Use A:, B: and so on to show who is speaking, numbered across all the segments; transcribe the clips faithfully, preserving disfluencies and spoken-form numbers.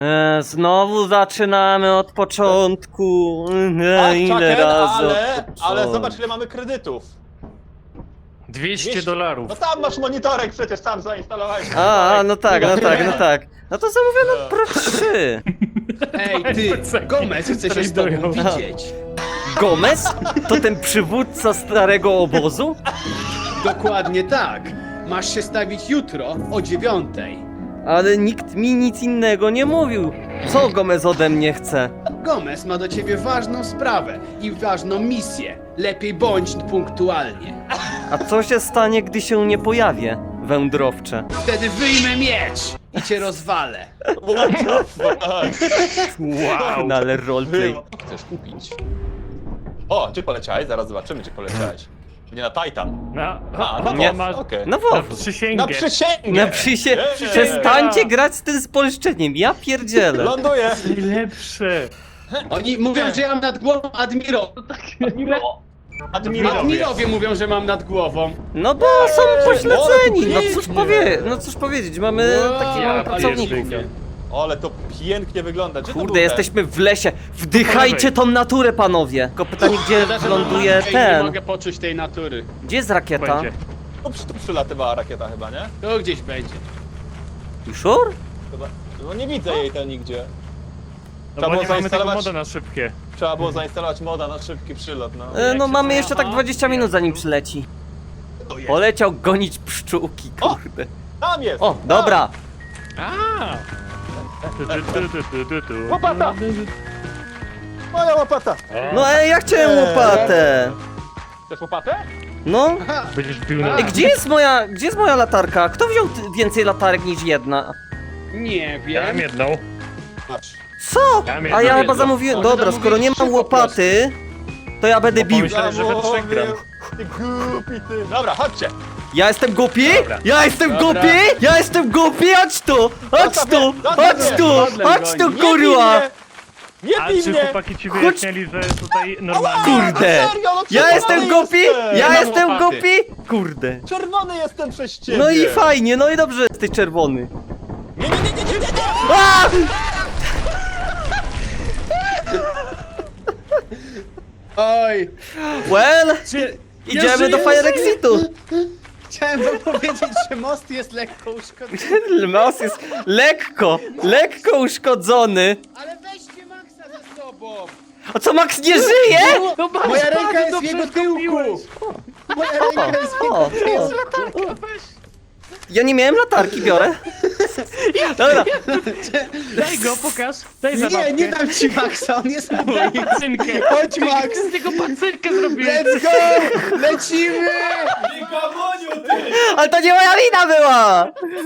A: E, znowu zaczynamy od początku. E,
B: Tak,
A: ile
B: Chucken,
A: razy
B: ale,
A: od
B: ale
A: początku.
B: zobacz ile mamy kredytów.
C: dwieście dolarów.
B: No tam masz monitorek przecież, sam zainstalowałeś.
A: A, a, no tak, no tak, no
B: Nie.
A: tak. No to zamówiono Pro trzy.
D: Ej, ty, Gomez chce się z tobą widzieć.
A: Gomez? To ten przywódca starego obozu?
D: Dokładnie tak. Masz się stawić jutro o dziewiątej.
A: Ale nikt mi nic innego nie mówił. Co Gomez ode mnie chce?
D: Gomez ma do ciebie ważną sprawę i ważną misję. Lepiej bądź punktualnie.
A: A co się stanie, gdy się nie pojawię, wędrowcze?
D: Wtedy wyjmę miecz i cię rozwalę.
C: Wow!
A: No ale roleplay.
B: Chcesz kupić? O, gdzie poleciałeś? Zaraz zobaczymy, gdzie poleciałeś. Nie na Titan.
C: Na,
B: A, na
A: Nie.
B: WoW,
C: masz
B: okej.
A: No
C: na
A: WoW.
C: przysięgę.
B: Na przysięgę!
A: Na przysie...
B: Yeah.
A: Przestańcie grać z tym spolszczeniem, ja pierdzielę.
B: Ląduję!
C: Najlepsze.
D: Oni mówią, że ja mam nad głową admiro.
B: Admirowie.
D: Admirowie mówią, że mam nad głową.
A: No bo są pośledzeni, no cóż
D: pięknie.
A: powie... No cóż powiedzieć, mamy
D: Wow,
A: takich mamy
D: ale
A: pracowników.
D: pięknie.
B: Ale to pięknie wygląda. Gdzie to był
A: Kurde,
B: ten?
A: jesteśmy w lesie. Wdychajcie tą naturę, panowie. Tylko pytanie, gdzie
D: Szkoda, że
A: ląduje
D: mam- Ej, Nie
A: ten?
D: mogę poczuć tej natury.
A: Gdzie jest rakieta?
C: Będzie.
B: Tu, przy- tu przylatywała rakieta chyba, nie?
D: To gdzieś będzie.
A: You sure?
B: Chyba. No nie widzę jej tam nigdzie.
C: No bo nie mamy tego
B: zainstalować-
C: moda na szybkie.
B: Trzeba było zainstalować moda na szybki przylot, no.
A: E, no
C: się
A: mamy
C: to-
A: jeszcze tak
D: Aha.
A: dwadzieścia minut zanim przyleci.
B: To jest.
A: Poleciał gonić pszczółki,
B: O!
A: kurde.
B: Tam jest!
A: O, dobra.
C: A! Tu, tu, tu, tu, tu, tu, tu.
B: Łopata! Moja łopata!
A: No ej, ja chciałem łopatę.
B: Chcesz łopatę?
A: No.
C: Będziesz pił na...
A: Ej, gdzie jest moja, gdzie jest moja latarka? Kto wziął t- więcej latarek niż jedna?
D: Nie
C: Ja mam
D: wiem.
C: jedną.
B: Patrz.
A: Co?
C: Ja mam
A: A
C: jedną,
A: ja chyba
C: jedną.
A: zamówiłem.
D: Może
A: Dobra,
D: zamówić
A: skoro nie
D: trzy
A: mam
D: po
A: łopaty, to ja będę
C: Bo
A: bił.
C: pomyślałem, że we trzech gram.
B: Ty głupi ty. Dobra, chodźcie.
A: Ja jestem głupi?
C: Dobra.
A: Ja jestem
D: Dobra.
A: głupi? Ja jestem głupi? Chodź tu! Chodź
B: Zostaw
A: tu!
B: mnie, zostaw
A: Chodź
B: mnie.
A: tu!
D: Modlę
A: Chodź tu,
D: goni.
B: Nie
A: kurwa!
B: bij mnie! Nie
C: A
B: bij
C: czy
B: mnie!
C: chłopaki ci wyjaśnili, że tutaj normalnie...
A: Kurde!
B: A serio, no
A: Ja
B: czerwony
A: jestem głupi?
B: jestem.
A: Ja
D: mam
A: jestem
D: łopaty.
A: głupi? Kurde.
B: Czerwony jestem przez ciebie!
A: No i fajnie, no i dobrze jesteś czerwony.
B: Nie, nie, nie, nie, nie, nie, nie!
A: A!
D: Oj.
A: Well,
D: Czy...
A: idziemy
D: Ja
A: do
D: żyję,
A: Fire Exitu.
D: Chciałem wam powiedzieć, że most jest lekko uszkodzony.
A: Most jest lekko, lekko uszkodzony.
D: Ale weźcie Maxa ze sobą!
A: A co, Max nie żyje?
C: No masz,
D: Moja ręka
C: bardzo
D: jest w
C: dobrze
D: jego tyłku!
C: zrobiłeś.
D: Moja ręka jest w
A: O,
D: jego
A: o.
D: tyłku!
A: Ja nie miałem latarki, biorę. Dobra,
C: Daj go, pokaż. Daj
D: Nie,
C: zabawkę.
D: nie dam ci Maxa, on jest mój!
C: Pacynkę.
D: Chodź Max!
C: Z tego pacynkę zrobiłem.
D: Let's go! Lecimy!
A: ale to nie moja wina była.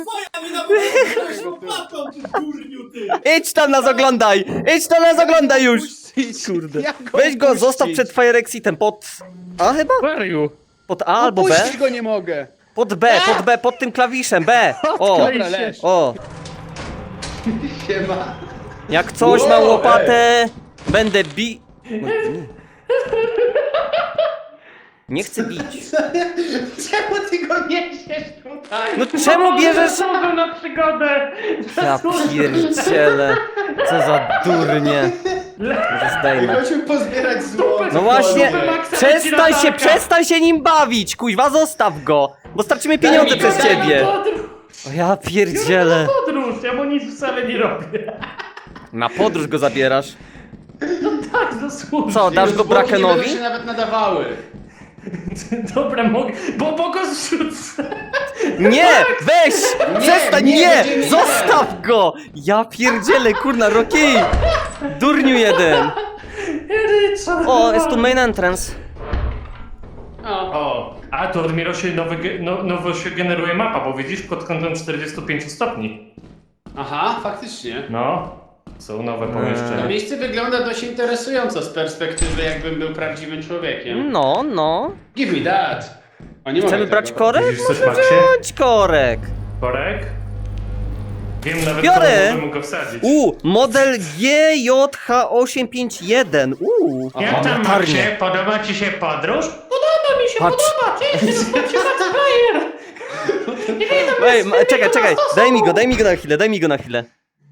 A: Idź tam nas oglądaj, idź tam nas oglądaj już. Kurde.
D: Jak
A: Weź go,
D: opuścić?
A: zostaw przed Fire Exitem pod... A chyba?
C: Where are you?
A: Pod A albo B?
D: Opuścić go nie mogę!
A: Pod B, pod B, pod tym klawiszem, B. O,
D: Dobra, leż.
A: o.
D: Siema.
A: Jak coś na łopatę, będę bi... No, nie. Nie chcę bić.
D: Czemu ty go niesiesz tutaj?
A: No czemu bierzesz...
C: Zasłużył na przygodę.
A: Ja pierdzielę. Co za durnie. Może zdejmę.
D: Chodźmy pozbierać złoto.
A: No właśnie,
C: Maxa,
A: przestań się,
C: latarka.
A: przestań się nim bawić, kuźwa, zostaw go. Bo stracimy pieniądze
D: mi
A: przez
D: go, daj mi
A: ciebie.
C: Podróż.
A: O ja pierdzielę.
C: Podróż, ja mu nic wcale nie robię.
A: Na podróż go zabierasz.
C: Tak, zasłużył.
A: Co, dasz go
D: Zwłoki nie będą
A: Brakenowi?
D: się nawet nadawały.
C: Dobra, mogę, bo, bo go zrzucę.
A: Nie, weź, przestań,
D: nie,
A: nie,
D: będziemy-
A: zostaw go. Ja pierdzielę, kurna, Rocky. Durniu jeden.
C: Richard,
A: O, jest tu main entrance.
D: O.
C: O, a to dopiero się nowy, ge- no, nowo się generuje mapa, bo widzisz pod kątem czterdziestu pięciu stopni.
D: Aha, faktycznie.
C: No, są nowe
D: To
C: pomieszczenia.
D: miejsce wygląda dość interesująco z perspektywy, jakbym był prawdziwym człowiekiem.
A: No, no.
D: Give me that! O, nie
A: Chcemy
D: mogę
A: brać
D: tego.
A: korek?
C: Widzisz coś,
A: Może
C: Maxie?
A: wziąć korek.
C: Korek? Wiem nawet,
A: Biorę.
C: komu bym go wsadzić.
A: U, model G J H osiem pięć jeden. U,
C: Jak tam,
A: latarnie.
C: Maxie? Podoba ci się podróż? Podoba mi się,
A: Patrz.
C: podoba. Cześć, zobaczcie Player. Nie wiem,
A: Ej, ma, czekaj, czekaj, daj mi go, daj mi go na chwilę, daj mi go na chwilę.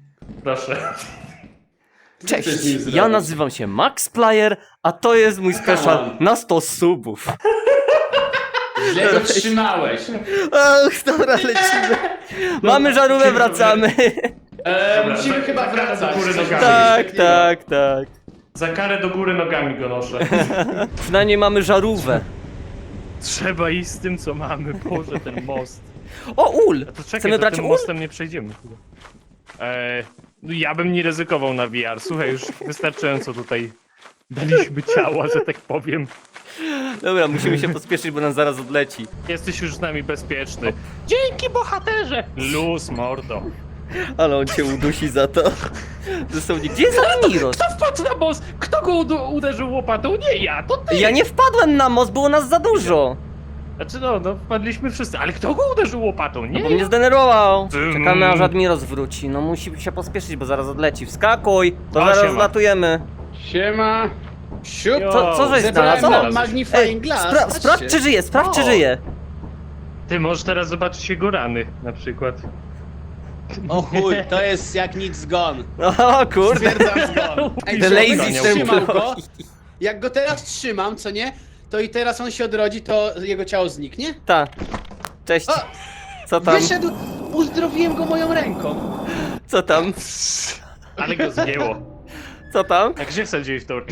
C: Proszę.
A: Cześć,
D: chcesz nim
A: ja
D: zrobić?
A: nazywam się Max Player, a to jest mój special na sto subów.
D: Źle go trzymałeś.
A: Ach, dobra, lecimy. Mamy żarówkę, wracamy.
D: E,
C: Dobra,
D: musimy
C: za-
D: chyba
C: za karę do
D: wracać.
C: góry
D: Coś
C: nogami.
A: Tak,
D: takiego.
A: tak, tak.
C: Za karę do góry nogami go noszę.
A: Przynajmniej mamy żarówkę.
E: Trzeba iść z tym, co mamy. Boże, ten most.
A: O, ul!
E: To czekaj,
A: Chcemy
E: to
A: brać
E: tym
A: ul?
E: mostem nie przejdziemy chyba. Eee, no ja bym nie ryzykował na V R. Słuchaj, już wystarczająco tutaj daliśmy ciała, że tak powiem.
A: Dobra, musimy się pospieszyć, bo nam zaraz odleci.
E: Jesteś już z nami bezpieczny. Dzięki, bohaterze! Luz, mordo.
A: Ale on cię udusi za to. Dosłownie, gdzie jest Admiros?
E: Kto wpadł na most? Kto go udu- uderzył łopatą? Nie ja, to ty!
A: Ja nie wpadłem na most, było nas za dużo.
E: Znaczy no, no wpadliśmy wszyscy, ale kto go uderzył łopatą? Nie
A: Bo mnie zdenerwował.
E: Tym.
A: Czekamy aż Admiros wróci. No musi się pospieszyć, bo zaraz odleci. Wskakuj, to
E: O,
A: zaraz
E: siema.
A: zlatujemy.
D: Siema. Siup.
E: Jo.
A: Co, co żeś
D: Zebrałem
A: znalazł?
D: nam
A: O!
D: magnifying glass.
A: spra
D: patrzcie.
A: sprawdź czy żyje, sprawdź czy
E: O.
A: żyje.
E: Ty możesz teraz zobaczyć jego rany, na przykład.
D: O chuj, to jest jak nic zgon.
A: O kurde.
D: Stwierdzam zgon. Ej,
A: The
D: co,
A: lazy
D: jak trzymam go,
A: employee.
D: jak go teraz trzymam, co nie? To i teraz on się odrodzi, to jego ciało zniknie?
A: Ta. Cześć.
D: O!
A: Co tam?
D: Wyszedł, uzdrowiłem go moją ręką.
A: Co tam?
E: Ale go zgięło.
A: Co tam?
E: A gdzie wsadziłeś torcz?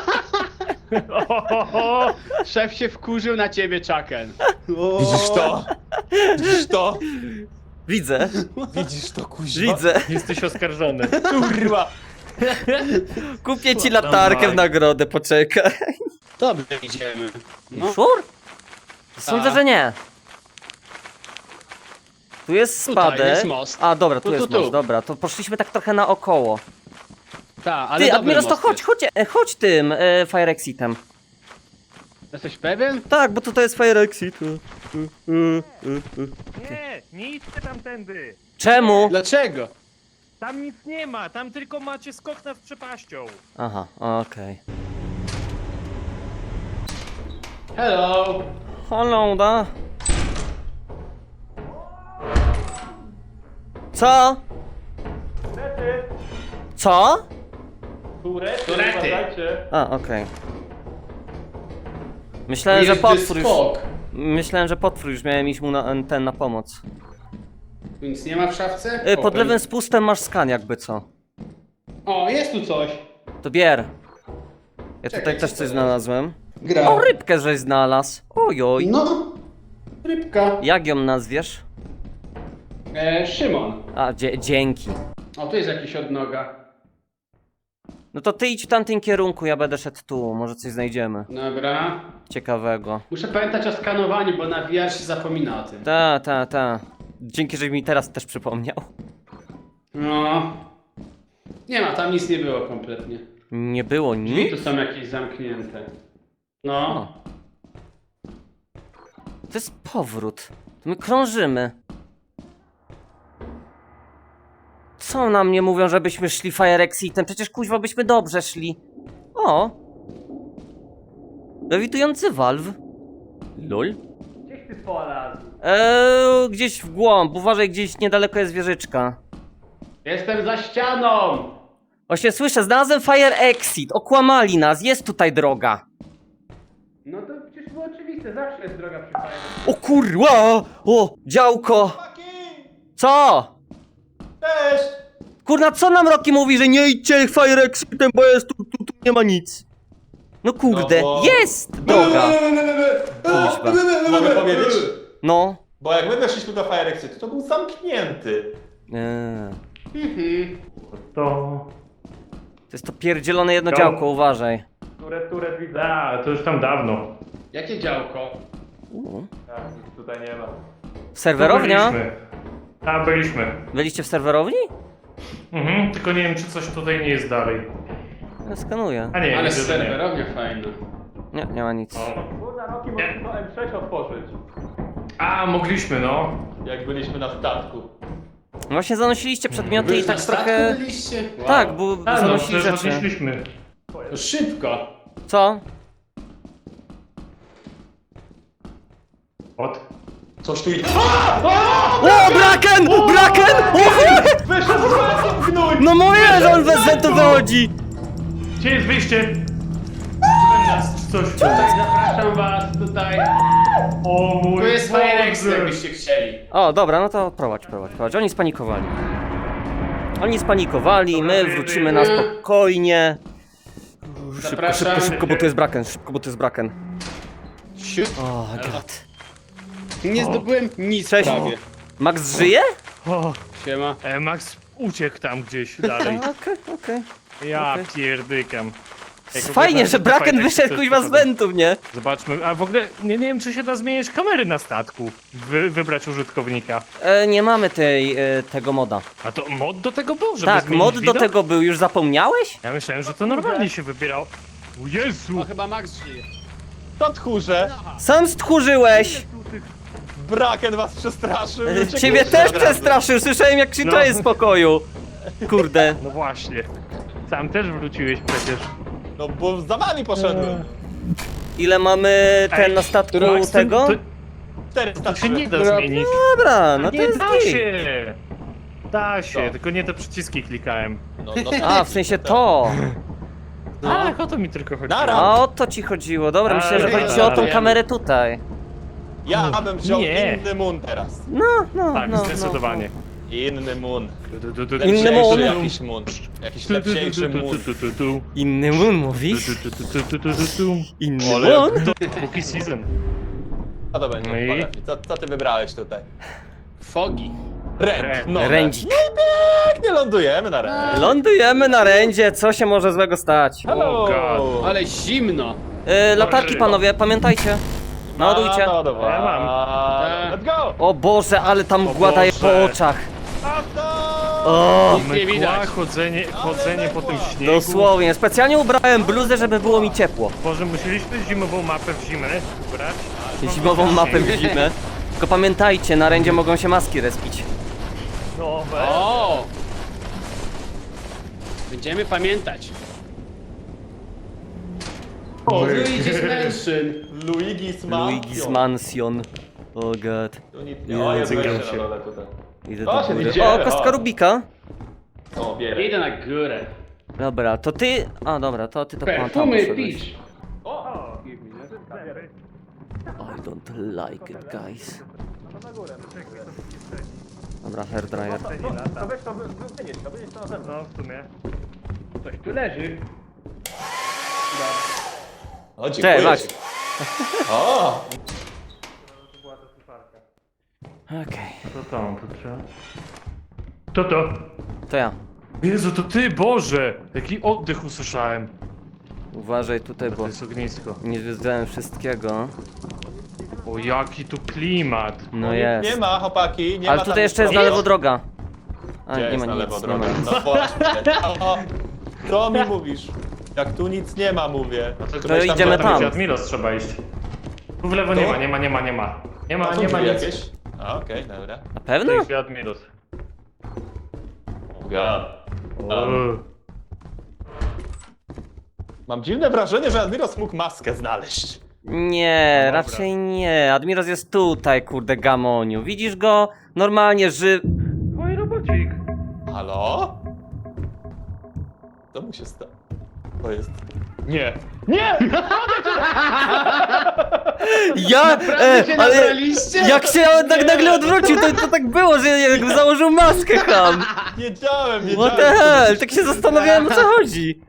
E: Ohohoho.
D: Szef się wkurzył na ciebie, Chucken.
B: Widzisz to? Widzisz to?
A: Widzę,
B: Widzisz to, kuźwa?
A: widzę.
E: Jesteś oskarżony.
B: Kurwa!
A: Kupię ci latarkę w nagrodę, poczekaj.
D: Dobrze, idziemy. No.
A: Szur? Sądzę,
D: A.
A: że nie. Tu jest
D: Tutaj
A: spadek.
D: jest most.
A: A, dobra, tu,
D: Tu, tu,
A: jest
D: tu.
A: most, dobra. To poszliśmy tak trochę naokoło.
D: Ta, ale
A: Ty,
D: dobry
A: Admiros, to
D: most
A: chodź,
D: jest.
A: chodź, e, chodź tym e, Fire Exitem.
D: Jesteś pewien?
A: Tak, bo tutaj jest Fire Exit. E, e, e, e.
E: Nie, nie idźcie tamtędy.
A: Czemu?
D: Dlaczego?
E: Tam nic nie ma, tam tylko macie skok nad przepaścią.
A: Aha, okej.
D: Hello.
A: Hello, da. Co? Co?
D: Turety.
A: A, okej. Myślałem, że
D: Jest
A: potwór już...
D: skok.
A: Myślałem, że potwór już miałem iść mu na, ten na pomoc.
D: Tu nic nie ma w szafce?
A: Y, Pod
D: Open.
A: lewym spustem masz skan jakby co.
D: O, jest tu coś.
A: To bier. Ja
D: Czekaj,
A: tutaj
D: co
A: też
D: to
A: coś
D: jest?
A: znalazłem.
D: Gra.
A: O, rybkę żeś znalazł. Ojoj.
D: No. Rybka.
A: Jak ją nazwiesz?
D: E, Szymon.
A: A, dzie dzięki.
D: O, tu jest jakiś odnoga.
A: No to ty idź w tamtym kierunku, ja będę szedł tu. Może coś znajdziemy
D: Dobra.
A: ciekawego.
D: Muszę pamiętać o skanowaniu, bo na V R się zapomina o tym.
A: Ta, ta, ta. Dzięki, żeś mi teraz też przypomniał.
D: No. Nie ma, tam nic nie było kompletnie.
A: Nie było
D: Drzwi
A: nic.
D: tu są jakieś zamknięte. No.
A: O. To jest powrót. To my krążymy. Co na mnie mówią, żebyśmy szli Fire Exitem? Przecież kuźwa byśmy dobrze szli. O! Lewitujący Valve. Lol.
E: Gdzieś ty polazł?
A: Eee, gdzieś w głąb. Uważaj, gdzieś niedaleko jest wieżyczka.
D: Jestem za ścianą!
A: Właśnie słyszę, znalazłem Fire Exit. Okłamali nas, jest tutaj droga.
D: No to przecież było oczywiste, zawsze jest droga przy fajnie.
A: O kurwa! O, działko! Co?
B: Cześć!
A: Kurna, co nam Rocky mówi, że nie idźcie Fire Exitem, bo jest tu, tu, tu nie ma nic. No kurde,
B: No bo-
A: jest droga.
B: Mogę powiedzieć?
A: No.
B: Bo jak my weszliśmy do Fire Exitu, to był zamknięty.
A: Eee,
D: Mhm.
E: To...
A: to jest to pierdzielone jedno działko, uważaj.
E: Które, które widzę? A, to już tam dawno.
D: Jakie działko?
A: U.
B: Tak, nic tutaj nie ma.
A: Serwerownia?
C: Byliśmy. Tam byliśmy.
A: Byliście w serwerowni?
C: Mhm, tylko nie wiem, czy coś tutaj nie jest dalej.
A: Ja skanuję.
C: A nie,
D: Ale
C: widzę, że nie.
D: serwerownia fajna.
A: Nie, nie ma nic.
C: O.
B: Kurna, Roki,
C: Nie.
B: mogliśmy to M sześć otworzyć.
C: A, mogliśmy, no.
B: Jak byliśmy na statku.
A: Właśnie zanosiliście przedmioty
D: Wy
A: i
D: już
A: tak
D: na statku
A: trochę...
D: byliście? Wow.
A: Tak, bo
C: A, no,
A: zanosili
C: przecież
A: rzeczy.
C: odnieśliśmy.
D: To szybko.
A: Co?
C: Od?
B: Coś tu idzie.
A: O, Braken! Braken! O,
B: Wyszedł z wentu, gnój!
A: no mówię, że on bez wentu wychodzi!
C: Gdzie jest wyjście? Czy coś?
D: Zapraszam was tutaj.
C: O mój
D: Tu jest Firex,
C: Boże.
D: jakbyście chcieli.
A: O, dobra, no to prowadź, prowadź, prowadź. Oni spanikowali. Oni spanikowali, my wrócimy na spokojnie. Szybko,
D: Zapraszam.
A: szybko, szybko, bo tu jest Braken, szybko, bo tu jest Braken.
D: Siut.
A: O, god.
D: Nie zdobyłem nic
A: Cześć.
D: prawie.
A: Max żyje?
E: O,
D: Siema.
E: e, Max uciekł tam gdzieś dalej.
A: Okej, okej.
E: Ja
A: Okej.
E: pierdykam. Jak
A: Fajnie,
E: oglądałem
A: że Braken
E: fajne
A: wyszedł
E: coś
A: kuźwa z
E: poszedłem.
A: wentów, nie?
E: Zobaczmy, a w ogóle nie, nie wiem czy się da zmieniać kamery na statku. Wy, wybrać użytkownika.
A: E, nie mamy tej, e, tego moda.
E: A to mod do tego był, żeby
A: Tak,
E: zmienić
A: mod do
E: widok?
A: tego był, już zapomniałeś?
E: Ja myślałem, że to normalnie się wybierał. O Jezu!
D: O, chyba Max żyje.
B: To tchórze.
A: Sam stchórzyłeś!
B: Braken was przestraszył.
A: E,
B: uciekliście
A: Ciebie też
B: od razu.
A: przestraszył, słyszałem jak krzyczałeś
E: No.
A: z pokoju. Kurde.
E: No właśnie. Sam też wróciłeś przecież.
B: No bo za wami poszedłem.
A: Ile mamy ten
E: Ej,
A: na statku
E: Max, to-
A: tego?
E: To,
B: czterysta
E: to się nie da
D: Dobra.
E: zmienić.
A: Dobra, no to
E: nie
A: jest
E: da
A: git.
E: się! Da się,
B: Co?
E: tylko nie te przyciski klikałem.
B: No, no,
A: A, w sensie to.
E: Tak, o to mi tylko chodziło.
B: Nara.
A: A o to ci chodziło. Dobra, myślę, że
E: Ale-
A: chodzi ci o tą
B: ale-
A: kamerę tutaj.
B: Ja bym wziął
E: Nie.
B: inny moon teraz.
A: No, no,
E: Tak,
A: no.
E: zdecydowanie.
B: Inny moon.
E: Du, du, du, du,
A: Inny
E: du,
A: moon.
E: du,
B: Jakiś moon. Jakiś
E: du, du, du,
B: lepsiejszy
E: du,
B: moon.
E: du, du, du,
A: No. Inny moon mówisz?
E: du, du, du, du, du, du, du.
A: Inny
E: Ale
A: moon?
E: to Spooky season.
B: Co to będzie?
E: No i?
B: Powiedz mi, Co, co ty wybrałeś tutaj?
D: Fogi.
B: Rent.
E: Rent.
B: No,
A: Rędzik.
B: pięknie lądujemy na rent.
A: Lądujemy na rędzie, co się może złego stać?
B: Hello.
E: God.
D: Ale zimno.
A: Yy, latarki panowie, pamiętajcie. Naładujcie.
B: No, no,
E: Ja mam.
B: Let's go!
A: O Boże, ale tam
E: O
A: mgła daje po
E: Boże.
A: oczach.
B: Auto!
A: O,
D: Nic nie
E: Mgła,
D: widać.
E: chodzenie, chodzenie po tym śniegu.
A: dosłownie. Specjalnie ubrałem bluzę, żeby było mi ciepło.
E: Boże, musieliśmy zimową mapę w zimę brać.
A: Zimową mapę w zimę. Tylko pamiętajcie, na rędzie mogą się maski respić.
E: No,
D: O! Będziemy pamiętać. O, Luigi's Mansion.
B: Luigi's Mansion.
A: Luigi's Mansion. O god.
B: Tu nic nie. O, jest
E: Język
B: wejście
E: się.
B: na dole tutaj.
A: Idę
B: O,
A: do
B: się
A: góry.
B: idzie,
A: O, kostka
B: o.
A: Rubika.
B: O, bierę.
D: Idę na górę.
A: Dobra, to ty... A, dobra, to ty to pan tam
D: Perfumy
A: poszedłeś.
D: Peach.
B: O!
A: I don't like it, guys. Dobra, hairdryer.
B: To weź to, wynieś to, wynieś to na zewnątrz.
E: no w sumie.
D: Coś tu leży.
B: O, dziękuję
A: Cześć, Max.
B: ci. O!
A: Okej,
E: Co tam, to trzeba? To to.
A: to ja.
E: Jezu, to ty, Boże! Jaki oddech usłyszałem.
A: Uważaj tutaj,
E: To
A: bo
E: jest ognisko.
A: nie zwiedzałem wszystkiego.
E: O, jaki tu klimat.
A: No
B: Nie
A: jest.
B: ma, chłopaki, nie
A: Ale
B: ma
A: tutaj
B: tam
A: jeszcze jest
B: nic.
A: na lewo droga. A,
B: Gdzie
A: nie
B: jest
A: ma
B: na
A: nic,
B: lewo
A: nie
B: droga?
A: ma nic.
B: No właśnie. O, co mi mówisz? Jak tu nic nie ma, mówię.
E: No to,
A: To idziemy
E: gdzie
A: tam.
E: Admiros trzeba iść. Tu w lewo
B: Tu?
E: nie ma, nie ma, nie ma, nie ma. Nie ma,
B: A tu
E: nie ma
B: drzwi
E: nic.
B: jakieś? A, okej, dobra.
A: Na
E: To
A: pewno?
E: jest Admiros.
B: Ja.
E: O.
B: Mam dziwne wrażenie, że Admiros mógł maskę znaleźć.
A: Nie,
E: No dobra.
A: raczej nie. Admiros jest tutaj, kurde, gamoniu. Widzisz go? Normalnie ży...
E: Oj, robocik.
B: Halo? Co mu się stało? To jest... Nie! Nie!
A: Ja... E,
D: cię
A: ale
D: nabraliście?
A: jak się tak nagle odwrócił, to, to tak było, że jakby założył maskę ham.
B: Wiedziałem, wiedziałem.
A: What the hell? Tak się zastanawiałem, o co chodzi.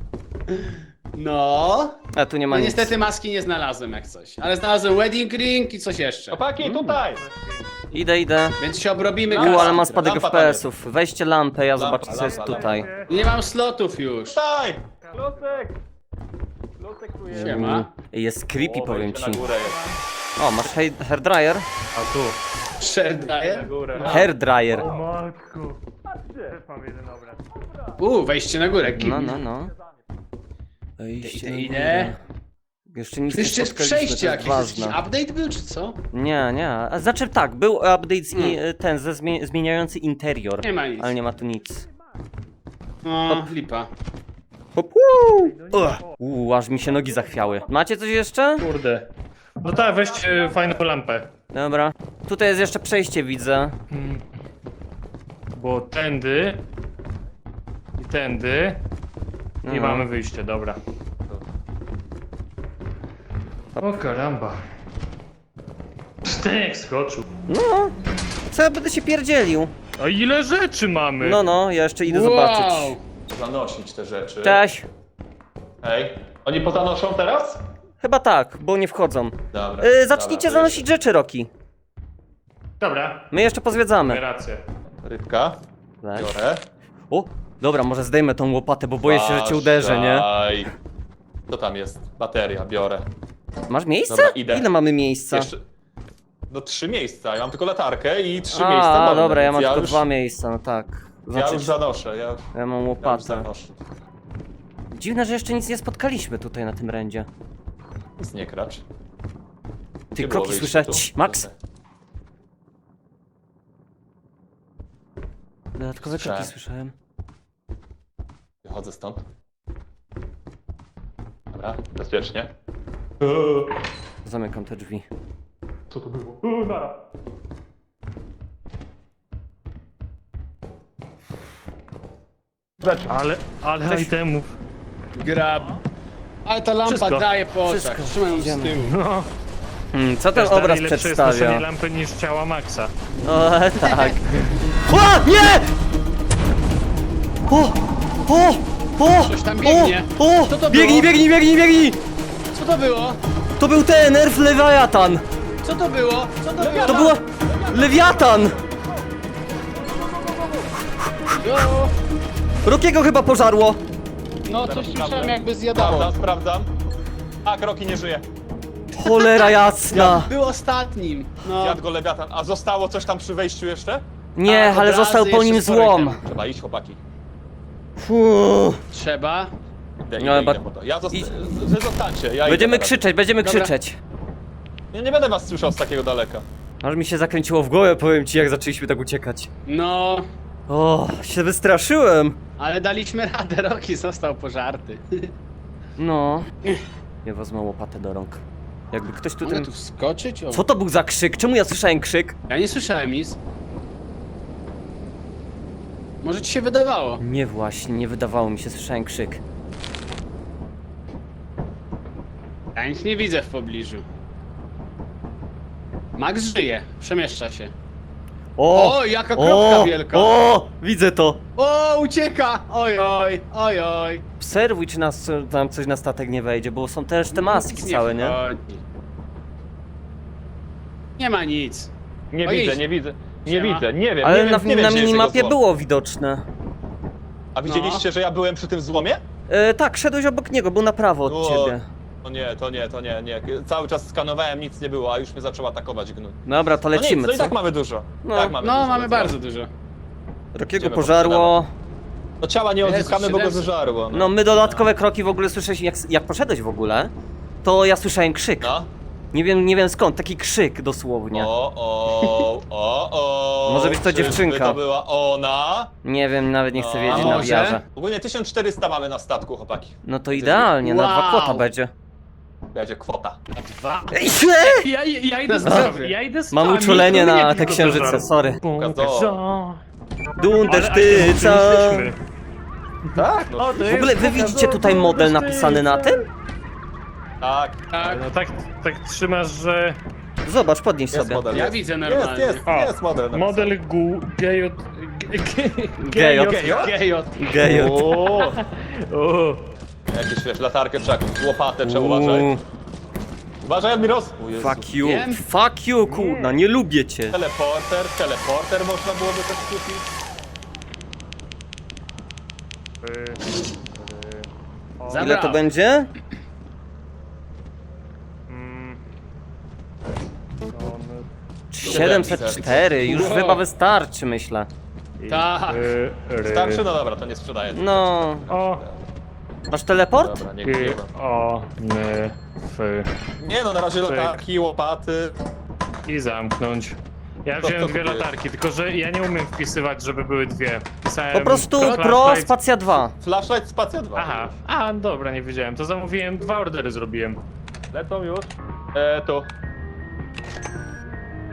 D: No.
A: A tu nie ma
D: No
A: nic.
D: niestety maski nie znalazłem jak coś. Ale znalazłem wedding ring i coś jeszcze.
B: Chłopaki, tutaj!
A: Idę, idę.
D: Więc się obrobimy
A: U,
D: kasą.
A: ale mam spadek
B: Lampa
A: F P S-ów. Weźcie lampę, ja zobaczę, co
B: lampa,
A: jest
B: lampa.
A: tutaj.
D: Nie mam slotów już.
B: Tutaj! Klocek! Klocek tu jest.
D: Siema.
A: Jest creepy,
B: O,
A: powiem
B: wejście
A: ci.
B: na górę jest.
A: O, masz hair hairdryer?
E: A tu.
D: Share
B: Na górę.
A: Hairdryer.
E: O matku. Też mam jeden obraz.
D: U, wejście na górę.
A: No, no, no. Wejście
D: Idę,
A: na
D: idę.
A: górę. Jeszcze nic
D: To
A: nie
D: jeszcze jest
A: spotkaliśmy,
D: przejście
A: to jest
D: jakieś. Jakiś
A: ważne.
D: update był czy co?
A: Nie, nie. A Znaczy tak, był update z, i- ten ze zmie zmieniający interior.
D: Nie ma nic.
A: Ale nie ma tu nic.
D: O, lipa.
A: Hop, Ugh. Uuu, aż mi się nogi zachwiały. Macie coś jeszcze?
E: Kurde. No tak, weźcie fajną lampę.
A: Dobra. Tutaj jest jeszcze przejście, widzę.
E: Bo tędy i tędy i
A: No.
E: mamy wyjście, dobra. O karamba. Sztek skoczył.
A: No. Co ja będę się pierdzielił?
E: A ile rzeczy mamy?
A: No, no, ja jeszcze idę
D: Wow.
A: zobaczyć.
B: Zanosić te rzeczy.
A: Cześć.
B: Hej. Oni pozanoszą teraz?
A: Chyba tak, bo nie wchodzą.
B: Dobra.
A: Yy, zacznijcie
B: dobra,
A: zanosić rzeczy, Roki.
E: Dobra,
A: My jeszcze
E: mamy
A: pozwiedzamy.
E: rację.
B: Rybka.
A: Tak.
B: Biorę.
A: O, dobra, może zdejmę tą łopatę, bo boję się, że cię uderzę, nie?
B: Uważaj. Co tam jest? Bateria, biorę.
A: Masz miejsce?
B: Dobra, idę.
A: Ile mamy miejsca?
B: Jeszcze... No trzy miejsca, ja mam tylko latarkę i trzy
A: A,
B: miejsca wolne,
A: dobra, ja
B: więc
A: mam tylko
B: już,
A: dwa miejsca, no tak.
B: Ja
A: Znaczy,
B: już zanoszę, ja,
A: ja mam
B: ja już
A: łopatę.
B: zanoszę.
A: Dziwne, że jeszcze nic nie spotkaliśmy tutaj na tym rędzie.
B: Nic nie kracz.
A: Ty
B: Nie było
A: kroki
B: wyjścia
A: słyszę.
B: tu.
A: Cii, Max! Dodatkowe kroki
B: Słyszałem.
A: słyszałem.
B: Wychodzę stąd. Dobra, bezpiecznie.
A: Zamykam te drzwi.
B: Co to było?
E: U, nara. Ale, ale
A: Cześć.
E: itemów.
D: Grab. Ale ta lampa
E: Wszystko.
D: daje po oczach.
A: Wszystko.
D: Trzymaj ją z
A: Idziemy.
D: tyłu.
E: No,
A: Hmm, co ten
E: każda
A: obraz
E: lepsze jest
A: przedstawia?
E: noszenie lampy niż ciała Maxa.
A: O, tak. O, nie! O! O! O!
D: Coś tam biegnie.
A: O!
D: Co to
A: o! Biegnij,
D: było?
A: biegnij, biegnij, biegnij!
D: Co to było?
A: To był ten nerf Lewiatan!
D: Co to było? Co to było?
A: To była... Lewiatan!
D: No,
A: Rokiego chyba pożarło!
D: no coś słyszałem jakby zjadało.
B: Sprawdzam, sprawdzam. A, kroki nie żyje.
A: Cholera jasna!
D: Był ostatnim. No.
B: Zjadł go lewiatan. A zostało coś tam przy wejściu jeszcze?
A: Nie,
D: A,
A: ale
D: obrazy
A: został po
D: jeszcze
A: nim
D: z korkiem.
A: złom.
B: Trzeba iść, chłopaki.
A: Fuuu.
D: Trzeba.
B: Idę,
A: No,
B: idę,
A: chyba-
B: idę po to. Ja zosta-
A: idź.
B: Wy zostańcie, ja idę
A: Będziemy
B: na razie.
A: krzyczeć, będziemy
D: Dobra.
A: krzyczeć.
B: Ja nie będę was słyszał z takiego daleka.
A: Aż mi się zakręciło w głowę, powiem ci, jak zaczęliśmy tak uciekać.
D: No,
A: O, się wystraszyłem.
D: ale daliśmy radę. Roki został pożarty.
A: No. Ja wezmę łopatę do rąk. Jakby ktoś tutaj...
D: Mogę tu wskoczyć? O.
A: Co to był za krzyk? Czemu ja słyszałem krzyk?
D: Ja nie słyszałem nic. Może ci się wydawało.
A: Nie właśnie, nie wydawało mi się, słyszałem krzyk.
D: Ja nic nie widzę w pobliżu. Max żyje, przemieszcza się.
A: O!
D: O, jaka kropka wielka.
A: O! Widzę to!
D: O, ucieka! Oj, oj, oj, oj.
A: Obserwuj, czy nas co- tam coś na statek nie wejdzie, bo są też te maski
D: Nic
A: całe, nie?
D: wchodzi. Nie ma nic.
B: Nie
D: Ojej.
B: widzę, nie widzę. Nie
D: Siema.
B: widzę, nie wiem,
A: Ale
B: nie
A: na,
B: wiem, nie wiem,
A: na
B: gdzie jest
A: minimapie
B: jego złom.
A: było widoczne.
B: A widzieliście, że ja byłem przy tym złomie?
A: E, tak, szedłeś obok niego, był na prawo od
B: O,
A: ciebie.
B: To nie, to nie, to nie, nie. Cały czas skanowałem, nic nie było, a już mnie zaczął atakować gnój.
A: Dobra, to
B: No nic,
A: lecimy,
B: no i
A: co?
B: tak mamy dużo.
A: No.
B: tak mamy
D: No,
B: dużo,
D: mamy
B: więc
D: bardzo
B: no.
D: dużo.
A: Rokiego
B: Idziemy
A: pożarło.
B: No ciała nie
D: Jezu,
B: odzyskamy, bo go
D: siedemset.
B: zeżarło.
A: No my dodatkowe kroki w ogóle słyszałeś, jak, jak poszedłeś w ogóle, to ja słyszałem krzyk.
B: No.
A: Nie wiem, nie wiem skąd, taki krzyk dosłownie.
B: O, o, o, o.
A: Może być to
B: Czyżby
A: dziewczynka.
B: to była ona?
A: Nie wiem, nawet nie chcę
B: No,
A: wiedzieć
B: a
A: na
D: może?
A: wiarze.
B: Ogólnie tysiąc czterysta mamy na statku, chłopaki.
A: No to idealnie, na dwa
D: Wow.
A: kłota będzie.
B: Będzie kwota.
D: Dwa.
A: Ej, źle!
E: Ja, ja idę z
D: Na zdrowie.
E: ja idę z
A: Mam
E: wami,
A: uczulenie
E: to mnie
A: na
E: nie
A: te
E: tylko
A: księżyce,
E: pożar.
A: sorry.
B: Pokazo.
A: Dundersztyca!
B: Tak, no,
E: O, to
A: W ogóle wy widzicie tutaj model napisany na tym?
B: tak.
D: Tak.
E: No tak, tak trzymasz, że
A: Zobacz, podnieś
B: Jest
A: sobie.
B: model.
D: Ja
B: jest.
D: widzę
B: Jest,
D: normalnie.
B: jest,
E: O,
B: jest model.
E: model gu... gejot...
A: Gejot.
D: Gejot.
A: Gejot.
B: O,
E: O,
B: jakieś wiesz, latarkę trzeba, łopatę trzeba,
A: Uuu,
B: uważaj. Uważaj, Admiros. O Jezu.
A: Fuck you,
D: Wiem.
A: fuck you, kurna, nie lubię cię.
B: Teleporter, teleporter można byłoby też kupić.
D: Zabrał.
A: Ile to będzie?
E: mm,
A: siedemset cztery, już
D: Wow.
A: chyba wystarczy, myślę.
D: Tak.
E: y, ry.
B: Starczy? No dobra, to nie sprzedaję.
A: No,
E: O,
A: masz teleport?
B: Dobra, nie
E: y,
B: kupiłem.
E: o, ny, f.
B: Nie no, na razie
E: Cyk.
B: latarki, łopaty.
E: I zamknąć. Ja
B: To-
E: wziąłem
B: to
E: dwie
B: kupiłeś.
E: latarki, tylko że ja nie umiem wpisywać, żeby były dwie. Pisałem
A: Po prostu
E: flashlight.
A: pro, spacja dwa.
B: Flashlight, spacja dwa.
E: Aha, a dobra, nie wiedziałem. To zamówiłem, dwa ordery zrobiłem.
B: Lecą już. E, tu.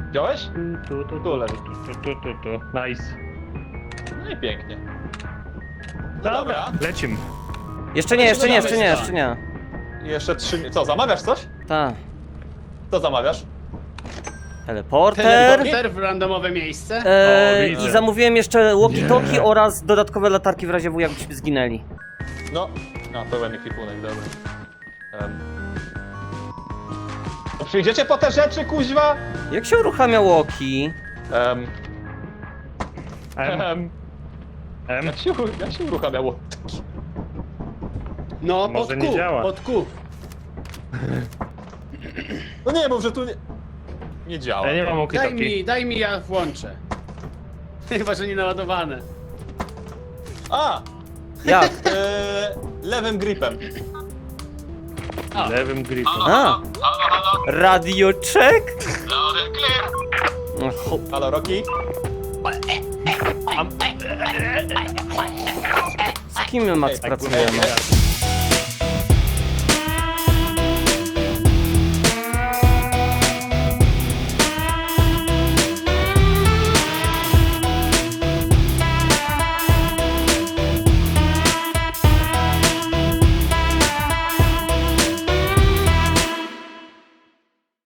B: Wziąłeś?
E: Tu, tu, tu,
B: Tu leży.
E: tu, tu, tu, tu. Nice.
B: No i pięknie. No
E: Dobra,
B: dobra.
E: lecimy.
A: Jeszcze nie, jeszcze nie, jeszcze nie, jeszcze nie.
B: Jeszcze trzy... Co, zamawiasz coś?
A: Ta.
B: Co zamawiasz?
A: Teleporter.
D: Teleporter w randomowe miejsce.
A: E,
E: O, widzę.
A: I zamówiłem jeszcze walkie-talkie oraz dodatkowe latarki w razie W, jakbyśmy zginęli.
B: No. A, pełen ekwipunek, dobra. Um. No przyjdziecie po te rzeczy, kuźwa?
A: Jak się uruchamia walkie?
B: Um.
E: M,
B: Um.
E: M.
B: Jak się, uru- jak się uruchamiało?
D: No,
E: Może
D: pod
E: nie
D: Q,
E: działa.
D: pod Q.
B: No nie, mów, że tu nie... Nie działa.
E: Ja nie mam
D: Daj
E: walkie-talkie.
D: mi, daj mi, ja włączę. Chyba, że nie naładowane.
B: A!
A: Jak?
B: E, lewym gripem.
E: Lewym gripem.
A: A! Radio check? No, ho-
B: Halo, Rocky?
A: Z kim my, Max,
B: Ej, tak
A: pracujemy?
B: ej,